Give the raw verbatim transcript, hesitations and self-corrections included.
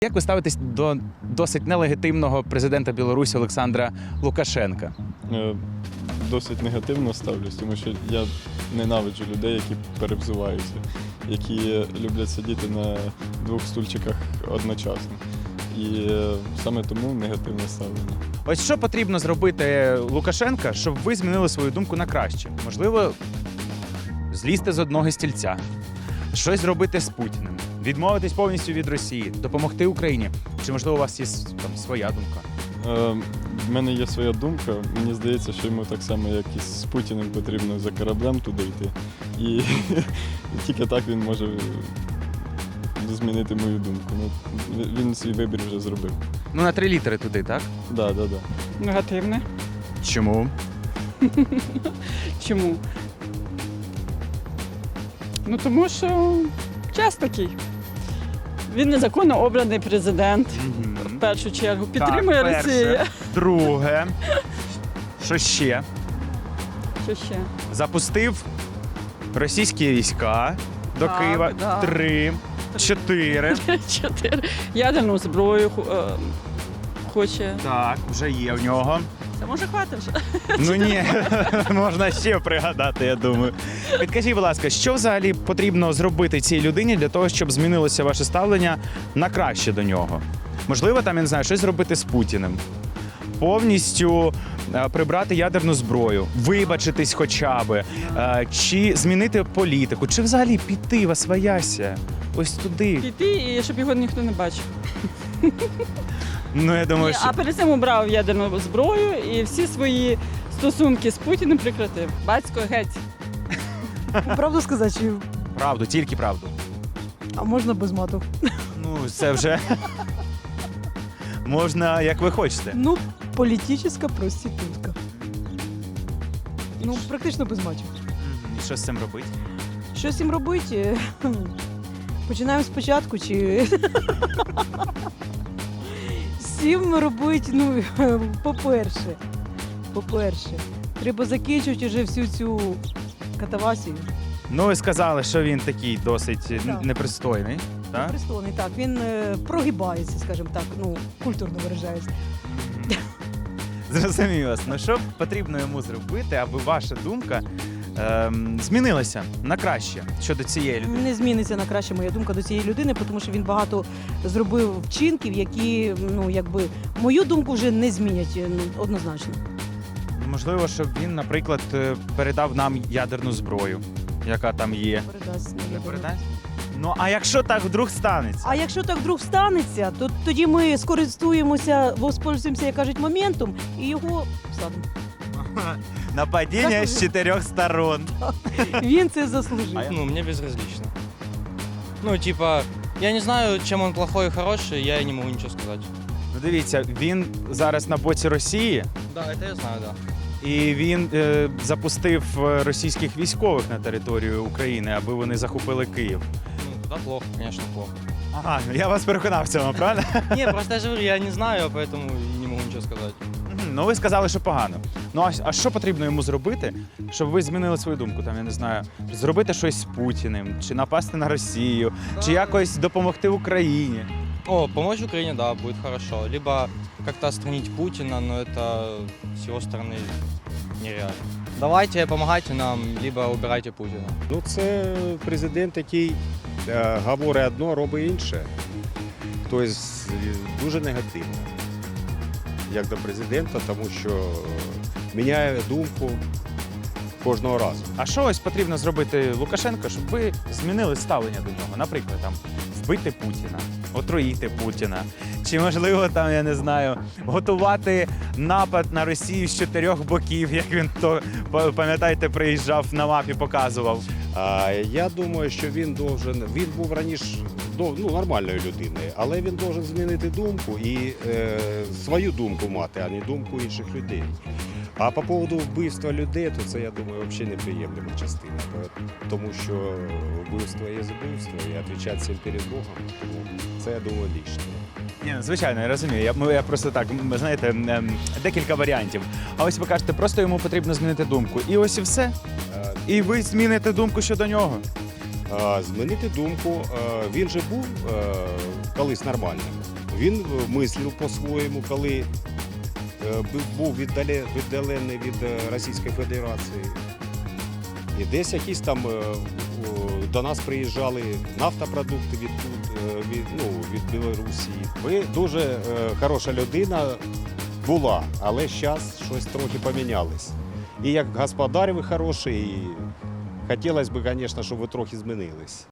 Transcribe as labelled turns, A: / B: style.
A: Як ви ставитесь до досить нелегітимного президента Білорусі Олександра Лукашенка?
B: Е, Досить негативно ставлюсь, тому що я ненавиджу людей, які перевзуваються, які люблять сидіти на двох стульчиках одночасно. І е, саме тому негативне ставлення.
A: Ось що потрібно зробити Лукашенка, щоб ви змінили свою думку на краще? Можливо, злізти з одного стільця, щось зробити з Путіним, відмовитись повністю від Росії, допомогти Україні. Чи, можливо, у вас є там своя думка?
B: Е, В мене є своя думка. Мені здається, що йому так само, як і з Путіним, потрібно за кораблем туди йти. І, і тільки так він може змінити мою думку. Ну, він свій вибір вже зробив.
A: Ну, на три літери туди, так?
B: Так, да, так, да, так. Да.
C: Негативне.
A: Чому?
C: Чому? Ну тому що час такий. Він незаконно обраний президент. В першу чергу. Підтримує
A: Так,
C: Росія.
A: перше. Друге. Що ще?
C: Що ще?
A: Запустив російські війська до
C: Так,
A: Києва.
C: да.
A: Три. Чотири.
C: Чотири. Ядерну зброю ху- е, хоче.
A: Так, вже є в нього.
C: Це може хватить вже.
A: Ну ні, можна ще пригадати, я думаю. Підкажіть, будь ласка, що взагалі потрібно зробити цій людині для того, щоб змінилося ваше ставлення на краще до нього? Можливо, там, я не знаю, щось зробити з Путіним. Повністю е, прибрати ядерну зброю, вибачитись хоча б, е, чи змінити політику, чи взагалі піти в освояся, ось туди.
C: Піти, і щоб його ніхто не бачив.
A: Ну, я думаю,
C: Ні,
A: що...
C: а перед цим обрав ядерну зброю і всі свої стосунки з Путіним прекратив. Батько геть.
D: Правду сказати, чи
A: Правду, тільки правду.
D: а можна без мату?
A: Ну, це вже... Можна, як ви хочете.
D: Ну, політична проститутка. Ну, практично без матів.
A: І що з цим робити?
D: Що з цим робити? Хм. Починаємо спочатку, чи. З цим робити, ну, по-перше, по-перше, треба закінчувати вже всю цю катавасію.
A: Ну, ви сказали, що він такий досить
D: Так.
A: непристойний. Так?
D: Пристойний, так, він е, прогибається, скажімо так, ну, культурно виражається.
A: Зрозумів вас. Ну що потрібно йому зробити, аби ваша думка ем, змінилася на краще щодо цієї людини?
D: Не зміниться на краще моя думка до цієї людини, тому що він багато зробив вчинків, які, ну, якби, мою думку вже не змінять, ну, однозначно.
A: Можливо, щоб він, наприклад, е, передав нам ядерну зброю, яка там є.
D: Передасть,
A: Не
D: наверное.
A: передасть? Ну, а якщо так вдруг станеться?
D: А якщо так вдруг станеться, то тоді ми скористуємося, воспользуємося, як кажуть, моментом і його всадимо.
A: Нападіння з чотирьох сторон.
D: Він це заслужив.
E: Ну, мне безразлично. Ну, типа, я не знаю, чем он плохой и хороший, я и не могу ничего сказать.
A: Ну, дивіться, він зараз на боці Росії,
E: Да, это я знаю, да.
A: і він е, запустив е, російських військових на територію України, аби вони захопили Київ.
E: Ну, да, плохо, конечно, плохо.
A: Ага, я вас переконав в цьому, правильно?
E: Не, просто я же говорю, я не знаю, поэтому и не могу ничего сказать.
A: Мгм, ну, ви сказали, що погано. Ну, а, а що потрібно йому зробити, щоб ви змінили свою думку? Там, я не знаю, зробити щось з Путіним, чи напасти на Росію, чи якось допомогти Україні?
E: О, помочь Украине, да, будет хорошо. Либо как-то отстранить Путина, но это с его стороны нереально. Давайте, помогайте нам, либо убирайте Путина.
F: Ну, це президент, який е, говорить одно, робить інше. Тобто дуже негативно, як до президента, тому що міняє думку кожного разу.
A: А що ось потрібно зробити Лукашенко, щоб ви змінили ставлення до нього? Наприклад, там вбити Путіна, отруїти Путіна, чи можливо там, я не знаю, готувати напад на Росію з чотирьох боків, як він то пам'ятаєте, приїжджав на мапі, показував.
F: А я думаю, що він должен, він був раніше ну, нормальною людиною, але він должен змінити думку і е, свою думку мати, а не думку інших людей. А по поводу вбивства людей, то це, я думаю, взагалі неприємлива частина. Тому що вбивство є вбивство, і відповідати всім перед Богом, тому це, я думаю, лишнє.
A: Ні, ну, звичайно, я розумію. Я, ну, я просто так, м, знаєте, ем, декілька варіантів. А ось ви кажете, просто йому потрібно змінити думку. І ось і все.
F: Е,
A: І ви зміните думку щодо нього.
F: е, змінити думку. Е, Він же був е, колись нормальним. Він е, мислив по-своєму, коли е, бу- був віддале- віддалений від е, Російської Федерації. І десь якісь там е, о, до нас приїжджали нафтопродукти від, тут, е, від, ну, від Білорусі. Ви дуже е, хороша людина була, але зараз щось трохи помінялось. І як господар ви хороший, і хотілося б, звісно, щоб ви трохи змінились.